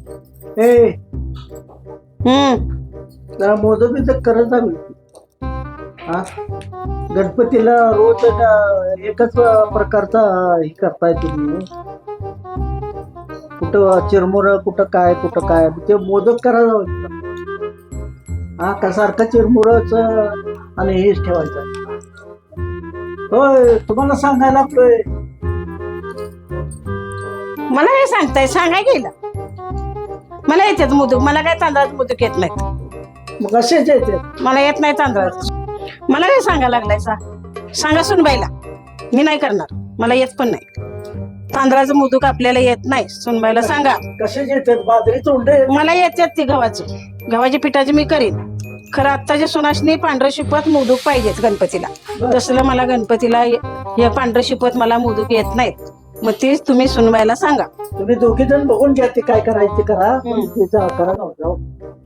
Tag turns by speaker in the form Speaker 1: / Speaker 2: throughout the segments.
Speaker 1: ए
Speaker 2: हम्म
Speaker 1: जरा मोदक बिदक करत जा मी. हा गणपतीला रोज एकच प्रकारचा हे करताय तुम्ही. कुठं चिरमुर कुठं काय ते मोदक करायला. हा का सारखं चिरमुरच आणि हेच ठेवायचं. होय तुम्हाला सांगायला लागलोय.
Speaker 2: मला हे सांगताय सांगाय गेलं मला येतात मोदक मला काय तांदळाचे मोदक येत नाहीत
Speaker 1: मग असेच येते.
Speaker 2: मला येत नाही तांदळाचं मला काय सांगायला लागलाय सांगा सुनबाईला मी नाही करणार मला येत पण नाही तांदळाचं मोदक आपल्याला येत नाही सुनबाईला सांगा
Speaker 1: कसेच येतात बाजरीच उंडे.
Speaker 2: मला येतात ते गव्हाच्या पिठाचे मी करीन खरं आत्ताच्या सुनाशनी पांढरं शिपत मोदक पाहिजेत गणपतीला तसलं मला गणपतीला हे पांढरं शिपत मला मोदक येत नाहीत मग तेच तुम्ही सुनबाईला सांगा
Speaker 1: तुम्ही दोघे जण बघून घ्या ते काय करायचे करा तिचा करा जाऊ.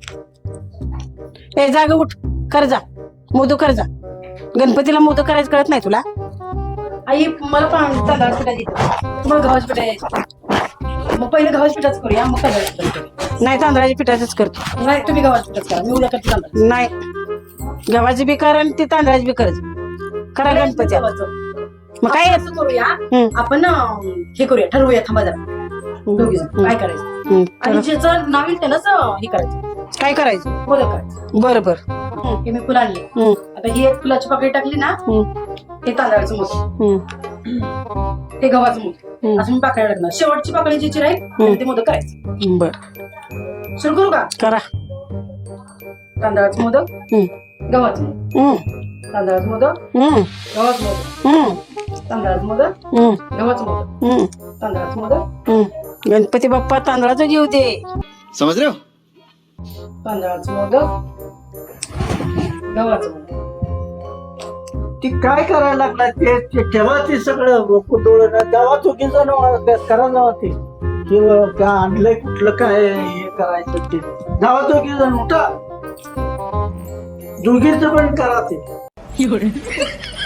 Speaker 2: ए जाग उठ कर जा मोदक कर जा गणपतीला मोदक करायचं कळत नाही तुला
Speaker 3: आई मला तांदळाचं पिठा देतो मग गव्हाचं पिठा यायचं मग पहिले गव्हाच्या पिठाच करूया मग तांदळाचं पिठा करूया.
Speaker 2: नाही तांदळाच्या पिठाचंच करतो
Speaker 3: नाही तुम्ही गव्हाचं पिठाच करा मी उद्या करते तांदळाचं.
Speaker 2: नाही गव्हाची बी कर आणि ती तांदळाची बी कर करा गणपती
Speaker 3: गव्हाचं.
Speaker 2: मग काय
Speaker 3: आपण असं करूया आपण हे करूया ठरवूया थांबा जरा दोघी जण काय करायचं आणि ज्याचं नाव येईल त्यालाच हे करायचं
Speaker 2: काय करायचं
Speaker 3: मोदक करायचं.
Speaker 2: बरं बरं
Speaker 3: हे मी फुलं आणली आता ही एक फुलाची पाकळी टाकली ना हे तांदळाचं मोदक हे गव्हाचं मोदक असं मी पाकळी टाकणार शेवटची पाकळी जी राहील ते मोदक करायचं.
Speaker 2: बर
Speaker 3: सुरू करू का
Speaker 2: करा
Speaker 3: तांदळाचं मोदक गव्हाचं मोदक तांदळाचं मोदक गव्हाचं मोदक तांदळाचं मोदक गव्हाचं मोदक तांदळाचं मोदक
Speaker 2: गणपती बाप्पा तांदळाचं जीव दे
Speaker 4: समझ रहे हो?
Speaker 3: तांदळाचं मोदक गव्हाचं मोदक
Speaker 1: ती काय करायला लागला ते ठेवा ते सगळं कुठं जावा चुकी जण करा जावा ते किंवा काय आणलंय कुठलं काय हे करायचं ते जावा चुकी जण उठा दोघीच पण करा ते